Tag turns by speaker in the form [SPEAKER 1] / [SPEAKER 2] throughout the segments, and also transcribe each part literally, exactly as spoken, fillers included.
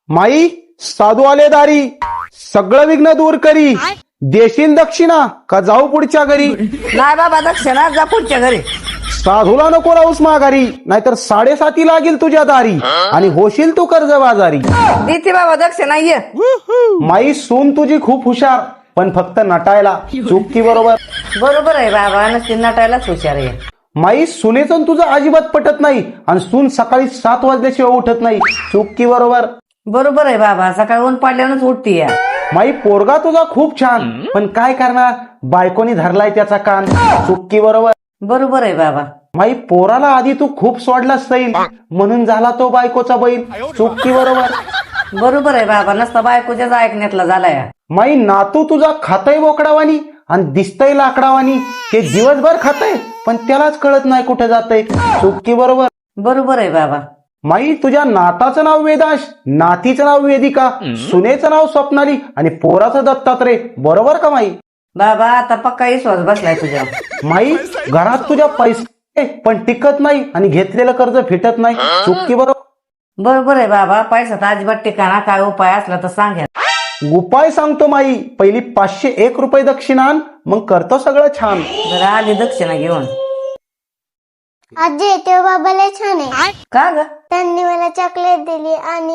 [SPEAKER 1] माई साधू आले दारी, सगळं विघ्न दूर करी. देशील दक्षिणा का जाऊ पुढच्या घरी?
[SPEAKER 2] नाही बाबा दक्षिणा जा पुढच्या घरी.
[SPEAKER 1] साधूला नको राहूस माघारी, नाहीतर साडेसाती लागेल तुझ्या दारी आणि होशील तू कर्ज बाजारी.
[SPEAKER 2] देते बाबा दक्षिणा ये.
[SPEAKER 1] माई सून तुझी खूप हुशार, पण फक्त नटायला. चुकी बरोबर?
[SPEAKER 2] बरोबर आहे बाबा, नसती नटायलाच हुशार आहे.
[SPEAKER 1] माई सुनेचं तुझं अजिबात पटत नाही आणि सून सकाळी सात वाजल्याशिवाय उठत नाही. चुकी बरोबर?
[SPEAKER 2] बरोबर आहे बाबा, सकाळी ऊन पडल्यानंच उठती या.
[SPEAKER 1] माई पोरगा तुझा खूप छान, पण काय करणार, बायकोनी धरलाय त्याचा कान. चुकी बरोबर?
[SPEAKER 2] बरोबर आहे बाबा.
[SPEAKER 1] माई पोराला आधी तू खूप सोडलास सैल, म्हणून झाला तो बायकोचा बैल. चुकी बरोबर?
[SPEAKER 2] बरोबर आहे बाबा, नसता बायकोच्याच ऐकण्यातला झालाय.
[SPEAKER 1] माई नातू तुझा खातय बोकडावानी आणि दिसतय लाकडावानी. ते दिवसभर खातय पण त्यालाच कळत नाही कुठे जातय. चुकी बरोबर?
[SPEAKER 2] बरोबर आहे बाबा.
[SPEAKER 1] माई तुझ्या नाताचं नाव वेदांश, नातीचं नाव वेदिका, सुनेचं नाव स्वप्नाली आणि पोराचं दत्तात्रय. बरोबर का माई?
[SPEAKER 2] बाबा आता पक्का विश्वास बसलाय तुझ्या.
[SPEAKER 1] माई घरात तुझ्या पैसे पण टिकत नाही आणि घेतलेलं कर्ज फिटत नाही. चुकी बरोबर?
[SPEAKER 2] बरोबर आहे बाबा, पैसा तर अजिबात ठिकाणा, काय उपाय असला तर सांगा.
[SPEAKER 1] उपाय सांगतो माई. पहिली पाचशे एक रुपये दक्षिणा आण, मग करतो सगळं छान.
[SPEAKER 2] जरा आधी दक्षिणा घेऊन.
[SPEAKER 3] आजी ते बाबाला छान आहे.
[SPEAKER 2] का ग?
[SPEAKER 3] त्यांनी मला चॉकलेट दिली आणि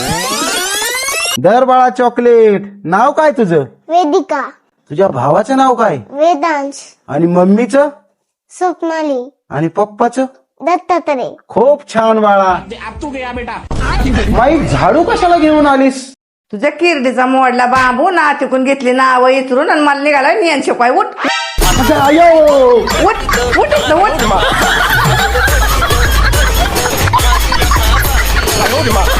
[SPEAKER 1] दर बाळा चॉकलेट. नाव काय तुझं?
[SPEAKER 3] वेदिका.
[SPEAKER 1] तुझ्या भावाचं नाव काय?
[SPEAKER 3] वेदांश.
[SPEAKER 1] आणि मम्मीचं?
[SPEAKER 3] स्वप्नाली.
[SPEAKER 1] आणि पप्पाचं?
[SPEAKER 3] दत्तात्रय.
[SPEAKER 1] खूप छान बाळा. माई झाडू कशाला घेऊन आलीस?
[SPEAKER 2] तुझ्या किरडीचा मोडला बांबू ना तिकून घेतली नाव इचरून आणि मला निघाला नियन शिकवाय. उठ
[SPEAKER 1] अयो
[SPEAKER 2] उठ उठ इथनं, उठ.